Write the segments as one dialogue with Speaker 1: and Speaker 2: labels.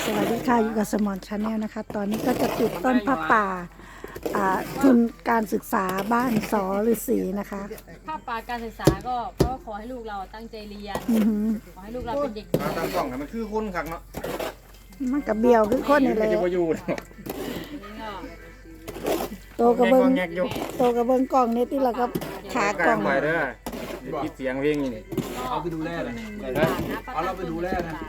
Speaker 1: สวัสดีค่ะอยู่กับสมอนชาแนลนะคะตอนนี้ก็จะติดต้นผ้าป่าทุนการศึกษาบ้านสอฤาษีนะคะ
Speaker 2: ภาพปาการศึกษาก็เพราะขอให้ลูกเราตั้งใจเรียนขอให้ลูกเราเป็นเด็กดี
Speaker 3: ตามกล่องมันคือคนขักเนาะ
Speaker 1: มันกับเบียวคือคนนี่เลยโตกระเบิงกล่องนี่ที่เราก็ขากล่อง
Speaker 3: ไปเด้อยิดเสียงเพลงนี่
Speaker 4: เอาไปดูแลเลยเอาเราไปดูแลนะ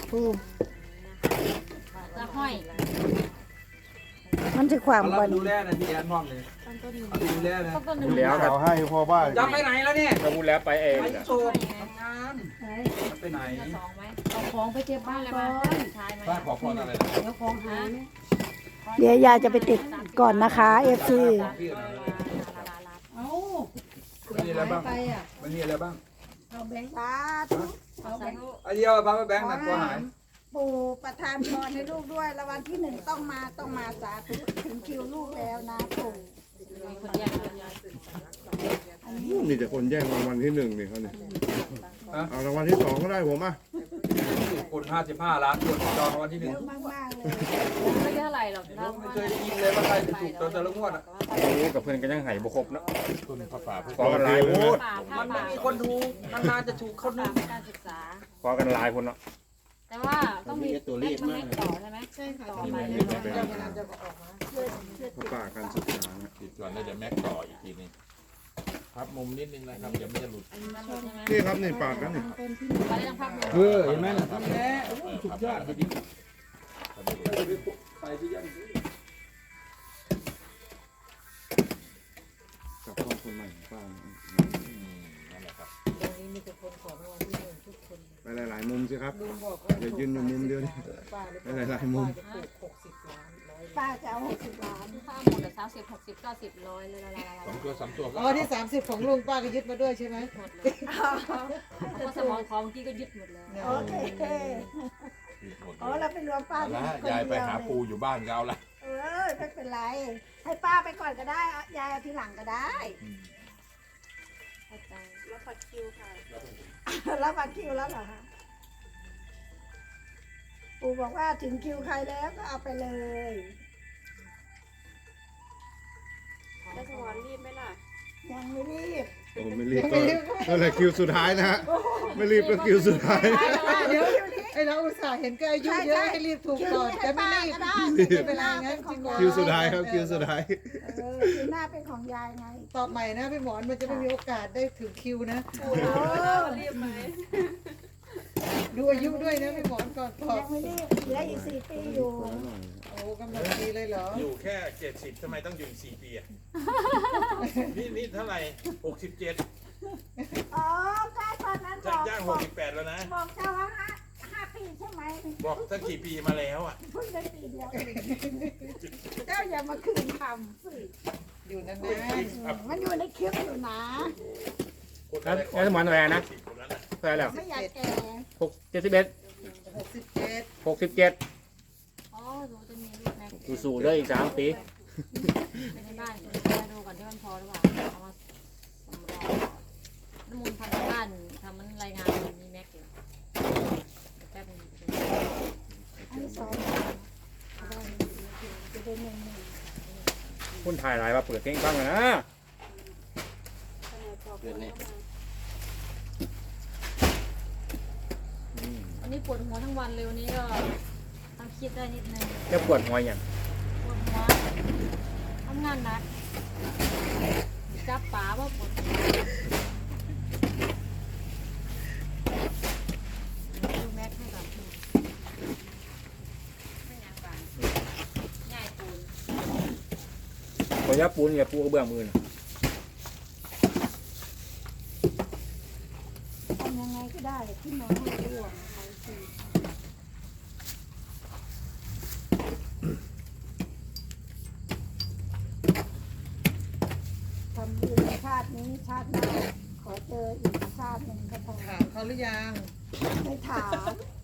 Speaker 2: จะห้อย
Speaker 1: มันจะความ
Speaker 4: บ่ดูแลนะที่แอนมอบเลยดูแลนะ
Speaker 3: พูดแล้ว
Speaker 5: เขาให้พ่อบ้าน
Speaker 4: จะไปไหนแล้วเนี่ย
Speaker 3: เราพูดแล้วไปเอง
Speaker 4: ไปโซนทำงานไปไหน
Speaker 2: เอาของไปเก็บบ้านก่อน
Speaker 4: บ้านขอพรอะไร
Speaker 2: เดี๋ยวของหา
Speaker 1: เดี๋ยวยายจะไปติดก่อนนะคะFC
Speaker 4: มันมีอะไรบ้างมันมีอะไรบ้าง
Speaker 1: เอาแบงค์
Speaker 4: ไอเดียวบ้างแบงค์หนักกว่าหาย
Speaker 1: ปู่ประทานพรให้ลูกด้วยแล้ววันที่1ต้องมาสาธุถึงคิวลูกแล้วนะปู่
Speaker 5: มีแต่คนแย่งรางวัลที่1นี่เขาเนี่ยเอารางวัลที่2ก็ได้ผมอ่ะ
Speaker 4: คน55 ล้านคนจองรางวัลที่1
Speaker 1: เยอะมากๆเลย
Speaker 2: ไม่เท่าไหร่หรอก
Speaker 4: ไม่เคยได้ยินเลยว่าใครจะถูกแต่ละงวดอ่ะ
Speaker 3: โอ้กับเพื่อนก็ยังหายบุครบเนาะ
Speaker 5: คุณภาษา
Speaker 3: ขอกันลายพูด
Speaker 4: มันไม่มีคนถูกนานๆจะถูกคนนึง
Speaker 2: การศึกษา
Speaker 3: ขอกันลายคนเนาะ
Speaker 2: แต่ว่าต้องมีตัวเลขมากต่อใช่ไหมใช่ค่ะต่อมา
Speaker 5: ป่าการศึกษา
Speaker 6: ติดก่อนแล้วเดี๋ยวแม็กต่ออีกทีนึงพับมุมนิดนึงนะครับเดี๋ยวไม่จะหลุด
Speaker 5: นี่ครับนี่ปากกันนี่
Speaker 4: เห็นไหมล่ะทำแน่สุดยอดจริงไปที่ยัน
Speaker 5: กับพ่อคนใหม่ป้า
Speaker 6: นั่นแหละครับ
Speaker 5: ไปหลายๆมุมสิครับอย่ายืนอยู่มุมเดียวนี่ไปหลายๆมุม
Speaker 1: ป้าจะเอา60 ล้าน
Speaker 2: ถ้าหมดแต่30 60 90 100เลย
Speaker 6: 2 ตัว 3 ตัว
Speaker 7: อ๋อที่30ของลุงป้าก็ยึดมาด้วยใช่ไหม
Speaker 2: หมดเลยเพราะสมองของเมื่อกี้ก็ยึดหมดเลย
Speaker 1: โอเคอ๋อเราเป็นรวมป้า
Speaker 6: แล้วยายไปหาปูอยู่บ้านก็เอาละ
Speaker 1: ไม่เป็นไรให้ป้าไปก่อนก็ได้ยายเอาทีหลังก็ได้รับบัตรคิวค่ะรับบัตรคิวแล้วเหรอคะปู่บอกว่าถึงคิวใครแล้วก็เอาไปเลย
Speaker 2: แล้วสมอนรีบไหมล่ะ
Speaker 1: ยังไม่รีบ
Speaker 5: โอ้ไม่รีบก็เลยคิวสุดท้ายนะฮะไม่รีบก็คิวสุดท้าย
Speaker 7: เดี๋ยวไอเราอุตส่าห์เห็นแกอายุเยอะให้รีบถูกก่อนแต่ไม่รีบไม่เป็นไรงั้นจริง
Speaker 5: คิวสุดท้ายครับคิวสุดท้าย
Speaker 1: คิวหน้าเป็นของยายไง
Speaker 7: ตอบใหม่นะพี่หมอนมันจะไม่มีโอกาสได้ถึงคิวนะ
Speaker 2: รีบไหม
Speaker 7: ดูอายุด้วยนะพี่หมอนก่อนตอบ
Speaker 1: ยังไม่รีบเหลืออีก4 ปีอยู่
Speaker 7: โอ้กำลังดีเลยเหรอ
Speaker 6: อยู่แค่70ทำไมต้องอยู่4 ปีอ่ะนี่เท่าไหร่67
Speaker 1: อ๋อใช่ตอนนั้นบอก
Speaker 6: ย่าง68แล้วนะ
Speaker 1: บอกเจ้าว่า5 ปีใช่ไหม
Speaker 6: บอกตั้งกี่ปีมาแล้วอ่ะ
Speaker 1: เพิ่งได้ปีเดียวเจ้าอย่ามาคืนคำสิ
Speaker 7: อยู่นั่น
Speaker 1: นะมันอยู่ในคลิปอยู่นะ
Speaker 3: แล้วสมอนแหวนนะแหวนแล้ว
Speaker 1: ไม่อยากแก่
Speaker 3: 67
Speaker 2: อ๋อดูจะมีลูกแม็ก
Speaker 3: สู้ๆเลยอีก3 ปี
Speaker 2: ในบ้านดูก่อนที่มันพอหรือเปล่าเอามาน้ำมูลทำที่บ้านทำมันรายงานมีแม็กอยู่แป๊บนึง
Speaker 1: อันนี้2จะเป็น
Speaker 3: คนถ่ายลายมาเปิดเพลงฟังกันนะ
Speaker 2: วันนี้ปวดหัวทั้งวันเลยวันนี้ก็ต้องคิดได้นิดนึง
Speaker 3: จะปวดหัวอย่าง
Speaker 2: ปวดหัวทำงานหนักจับป๋าว่าปวดดูแม็กให้ก่อนไม่ยังบางง่ายปูน
Speaker 3: ขอยับปูนอย่าปูกระเบื้องมือนะ
Speaker 1: ทำยังไงก็ได้ที่น้องไม่ร่วงทำบุญชาตินี้ชาติหน้าขอเจออีกชาติหนึ่งก็พอ
Speaker 7: ถามเขาหรือยัง
Speaker 1: ไม่ถาม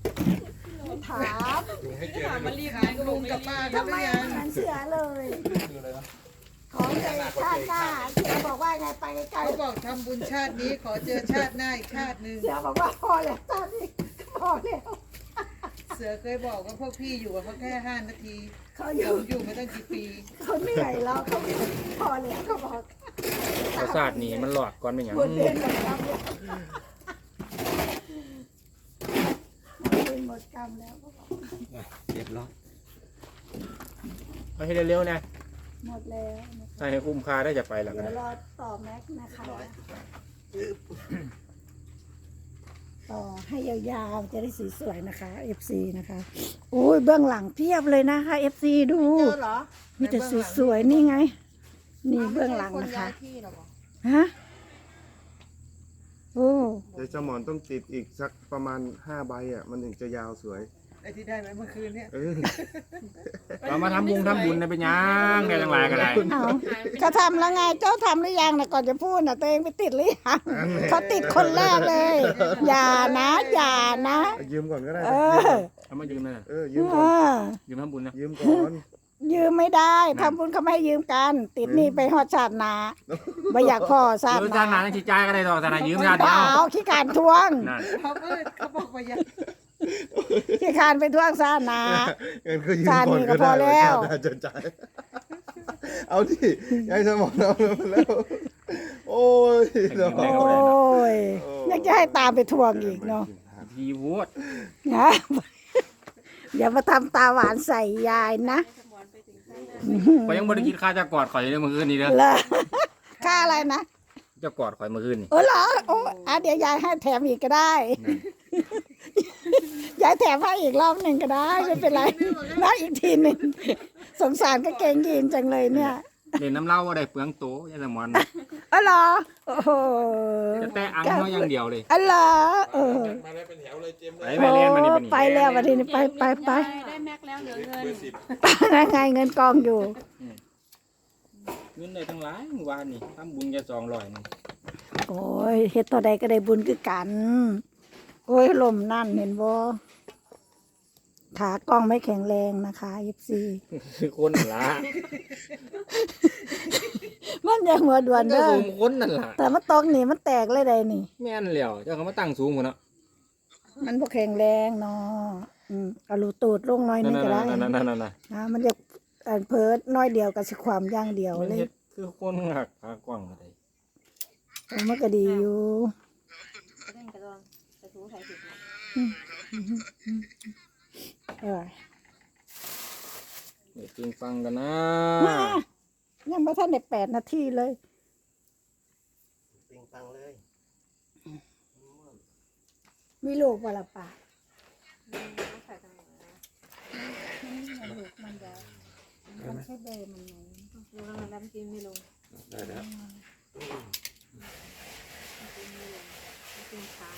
Speaker 2: มารีบ
Speaker 7: ถามลุงกับป้าเขาหรือยัง
Speaker 1: เหมือนเสือเลยขอเจอชาติหน้าเสือบอกว่าไงไปไกล
Speaker 7: เขาบอกทำบุญชาตินี้ขอเจอชาติหน้าอีกชาติหนึ่ง
Speaker 1: เสือบอกว่าพอแล้วชาตินี้พอแล้ว
Speaker 7: เสือเคยบอกว่าพวกพี่อยู่กับเขาแค่5 นาที
Speaker 1: เขาอยู่
Speaker 7: อยู่มาตั้งกี่ปี
Speaker 1: เขาเหนื่อยแล้วเขาพอแล้วเขาบอก
Speaker 3: ประสาทนี่มันหลอดก่อนเป็นอย่าง
Speaker 1: บนเรียนหมดกรรมแล้วหมดกรรมแล้วเขาบอก
Speaker 4: เรียบร้อย
Speaker 3: เอาให้เร็วๆนะ
Speaker 1: หมดแล้วนะคะ
Speaker 3: ให้คุ้มค่าได้จะไปแล้ว
Speaker 1: เดี๋
Speaker 3: กั
Speaker 1: ย
Speaker 3: น
Speaker 1: วรอต่อแม็กซ์นะคะต่อให้ยาวๆจะได้สีสวยนะคะ FC นะคะโอ้ยเบื้องหลังเพียบเลยนะคะ FC ดู
Speaker 7: เจอเหรอ
Speaker 1: มีแต่สวยๆนี่ไง นี่เบื้องหลังนะคะ
Speaker 7: ที่เหรอบอก
Speaker 1: ฮะโอ้
Speaker 5: เดี๋ยวเจ้าหมอนต้องติดอีกสักประมาณ5 ใบอ่ะมันถึงจะยาวสวย
Speaker 7: ไอ้ที่ได้ไหมเมื่อคืนเนี่ย
Speaker 5: เออ
Speaker 3: เรามาทำบุญนะเป็นยังได้จังไรกันไร
Speaker 1: เอาเขาทำแล้วไงเจ้าทำหรือยังนะก่อนจะพูดนะตัวเองไปติดหรือยังเขาติดคนแรกเลย อย่านะอย่านะ
Speaker 5: ยืมก่อนก็ได้
Speaker 1: เออ
Speaker 3: เอามายืมนะ
Speaker 5: ยืม
Speaker 1: เอ
Speaker 5: ก่อน
Speaker 1: อ
Speaker 3: ยืมทำบุญนะ
Speaker 5: ยืมก่อน
Speaker 1: ยืมไม่ได้ทำบุญเขาไม่ให้ยืมกัน ติดหนี่ไปหอดชาติหนาไม่อยากพอชาติ
Speaker 3: ยืม
Speaker 1: ห
Speaker 3: จา
Speaker 1: นา
Speaker 3: นหนาชี้ใจก็ได้ดอกแต่ไหนยืมงาน
Speaker 1: เป
Speaker 3: เดีย
Speaker 1: ล่าว ขี้การทวง
Speaker 3: นั่น
Speaker 7: เขาบอกว่ายัง
Speaker 1: ขี้การไปทวงชาติหนา
Speaker 5: เงินก็ยืม
Speaker 1: จาน
Speaker 5: ก่อน
Speaker 1: นี้ก็
Speaker 5: ก็
Speaker 1: พอ
Speaker 5: ได้
Speaker 1: แล้ว
Speaker 5: จะจ่ายเอาดิยายสมองเอาแล้ว โอ้ยสม
Speaker 1: โอ
Speaker 5: อง้
Speaker 1: ยยังจะให้ตามไปทวงอีกเนาะ
Speaker 3: ดีโวด
Speaker 1: นะอย่ามาทำตาหวานใส่ยายนะ
Speaker 3: ข่อยยังบ่ได้กินข้าวจะกอดข่อยเลยเมื่อคืนนี้เด้อ
Speaker 1: เลยค่าอะไรนะ
Speaker 3: จะกอดข่อยเมื่อคืนนี่
Speaker 1: เออเหรอโอ้เดี๋ยวยายให้แถมอีกก็ได้ ยายแถมให้อีกรอบหนึ่งก็ได้ไม่เป็นไรนะอีกทีหนึ่งสงสารก็เกงยีนจังเลยเนี่ย
Speaker 3: เล่นน้ำเหล้าว่าได้เปลืองโตยายสมอน
Speaker 1: เออเหรอโอ้โห
Speaker 3: จะแต่อังเขาอย่างเดียวเลย
Speaker 1: เออเหรอเออ
Speaker 6: มาได้เป็นแถวเลยเจมส์
Speaker 3: ไป
Speaker 6: เลย
Speaker 3: ไปเรียนมานี่
Speaker 1: ไปแล้ววันนี้ไป
Speaker 2: ได้แม็กแล้วเหลือเงิน
Speaker 6: เบอร์10
Speaker 1: นั่นไงเงินกองอยู่
Speaker 3: เงินได้ทั้งหลายเมื่อวานนี่ทำบุญแค่200นึง
Speaker 1: โอ้ยเฮ็ดตัวใดก็ได้บุญคือกัน โอ้ยลมนั่นเห็นบ่ขากล้องไม่แข็งแรงนะคะFC
Speaker 3: คือคนนั่นล่ะ
Speaker 1: มันยังหัวด่วน
Speaker 3: ก็
Speaker 1: เด้อ
Speaker 3: สูงคนนั่นล่ะ
Speaker 1: แต่มันตกนี่มันแตกเลยได้นี่
Speaker 3: แม่นแล้วเจ้าเขามาตั้งสูงพุ่นเนาะ
Speaker 1: มันบ่แข็งแรงเนาะเอารูตูดลงหน้อยนึงก็ได้
Speaker 3: นั่น
Speaker 1: นะมันจะเพิดน้อยเดียวกับสิความอย่างเดียว
Speaker 3: มัน
Speaker 1: เลย
Speaker 3: เฮ็ดคือคนหักขากว้างอะไร
Speaker 1: มันก็ดีอยู่
Speaker 2: เล่นกระดองกระถูใส่ถุง
Speaker 1: เออ
Speaker 3: เดี๋ยวจริงฟังกันนะ
Speaker 1: มายังบ่ทันได้8 นาทีเลย
Speaker 4: ปิงปังเลย
Speaker 1: มีลูกบ่ล่ะป่า
Speaker 2: ใส่ตรงไหนนะ
Speaker 1: มันลูกมันจะมันใช่เบอร์มันไหม
Speaker 2: ดูแล้วมันกินไม่ลง
Speaker 6: ได้แล้ว
Speaker 2: กินค้าง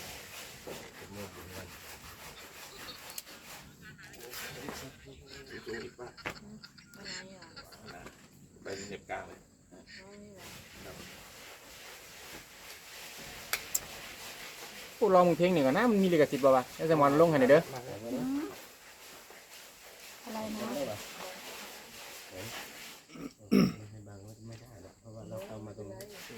Speaker 2: อะไรอ่ะ
Speaker 6: ไปเหน็บกลางเลย
Speaker 3: พวกเรามึงเพลงหนึ่งกันนะมันมีลิขสิทธิ์ป่าวะยายสมอนลงให้หน่อยเด้อ
Speaker 1: อะไรนะ
Speaker 4: ให้บางไม่ได้หรอกเพราะว่าเราเข้ามาตรงนี้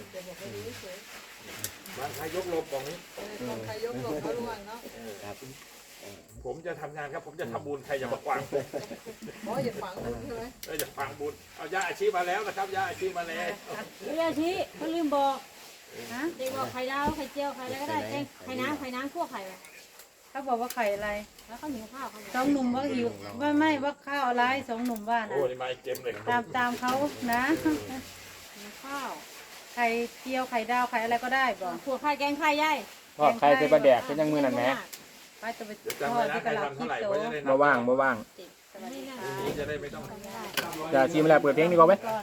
Speaker 6: บ้านใครยกลมกล่องนี้
Speaker 7: ใครยกหลบเขาล่วงเนาะ
Speaker 4: ครับ
Speaker 6: ผมจะทำงานครับ ผมจะทำบุญใครอย่ามาขวางผม
Speaker 7: หมออย่าฝังคุณใช่ไหม
Speaker 6: อย่าขวางบุญเอาย่าอาชีพมาแล้วนะครับย่าอาชีพมาแล้ว
Speaker 2: เรียกชี้เขาลืมบอกฮะเด็กบอกไข่ดาวไข่เจียวไข่อะไรก็ได้เองไข่น้ำคั่วไข่ไป
Speaker 8: เขาบอกว่าไข่อะไร
Speaker 2: แล้วเขาหิวข้าวเขา
Speaker 8: สองหนุ่มว่าหิวไม่ว่าข้าวอะไรสองหนุ่มว่า
Speaker 6: โอ้
Speaker 8: นะ
Speaker 6: นี่มาเกมเลย
Speaker 8: ตามเขานะ
Speaker 2: หิวข้าว
Speaker 8: ไข่เจียวไข่ดาวไข่อะไรก็ได้บอก
Speaker 2: ถั่วไข่แกงไข่ย่าย
Speaker 3: ทอดไข่ใส่ปลาแดกเป็นยังมือนั่นแหม
Speaker 8: ไปจะไป
Speaker 6: เดี๋ยว
Speaker 8: ท
Speaker 6: จำ
Speaker 8: อ
Speaker 6: ไว้
Speaker 8: ด
Speaker 6: นะ
Speaker 8: ที่
Speaker 6: ใค
Speaker 8: ต
Speaker 6: ร
Speaker 8: ลาด
Speaker 6: ทำ
Speaker 8: คิ
Speaker 6: เท่าไหร่
Speaker 8: โต
Speaker 6: เพราะจะได้
Speaker 3: บ่ว่างบ่ว่าง
Speaker 6: นี่จะได้ไม่ต้อง
Speaker 3: จะชิมแล้วเปิดเพลงดีกว่าไหม
Speaker 8: ก่อน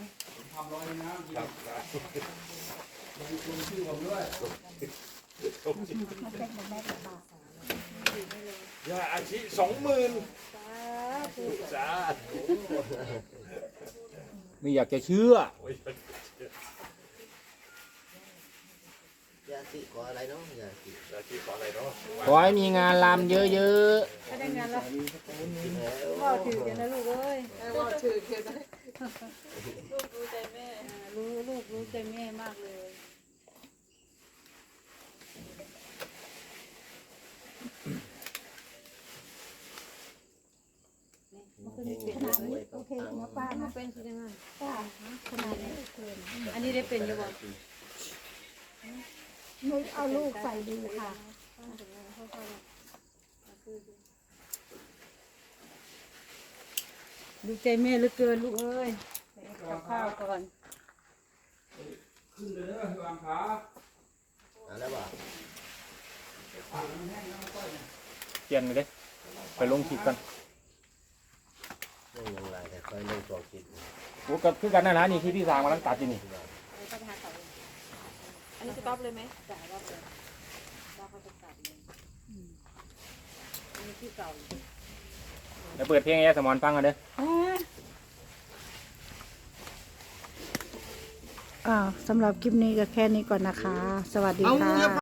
Speaker 6: ย่าอาชีพ20,000 สาธุ
Speaker 3: ไม่อยากจะเชื่อ
Speaker 6: โอ้ย
Speaker 4: ยาสีขออะไรเนาะยาสี
Speaker 6: อาชีพขออะไรเนาะ
Speaker 3: ขอให้มีงานรำเยอะ
Speaker 8: ถ้าได้งานแล้วว่าถือกันนะลูกเอ้ย
Speaker 7: ไอ้ว่าชื่อเขียนได้
Speaker 8: ลูกรู้ใจแม่รู้ใจแม่มากเลย
Speaker 1: ขนาดนี้โอเคนะป้า
Speaker 2: มา
Speaker 1: นะ
Speaker 2: เป็นสิได้ไง
Speaker 1: ป้าขนาดนี้โอเคนะ
Speaker 2: อันนี้ได้เป็นอยู่บ่
Speaker 1: นุ้ยเอาลูกใส่ดีค่ะ
Speaker 8: ดูใจแม่เหลือเกินลูกเอ้ยกับข้าวก่อน
Speaker 4: ขึ้นเลยเด้อวางขา
Speaker 5: อะไรวะ
Speaker 3: เปลี่ยนเลยเด้ไปลงคลิปกัน
Speaker 5: เรื่องยังไงแต่เคยเล่นตัวคิด
Speaker 3: โอ้ก็คือกันนั่นนะนี่คือที่สร้างมาตั้งตัดที่นี่
Speaker 2: อันนี้สต็อปเลยไหม
Speaker 3: แล้วเปิดเพลงไอ้สมอนฟังกันเด้อ
Speaker 1: สำหรับคลิปนี้ก็แค่นี้ก่อนนะคะ สวัสดีค่ะ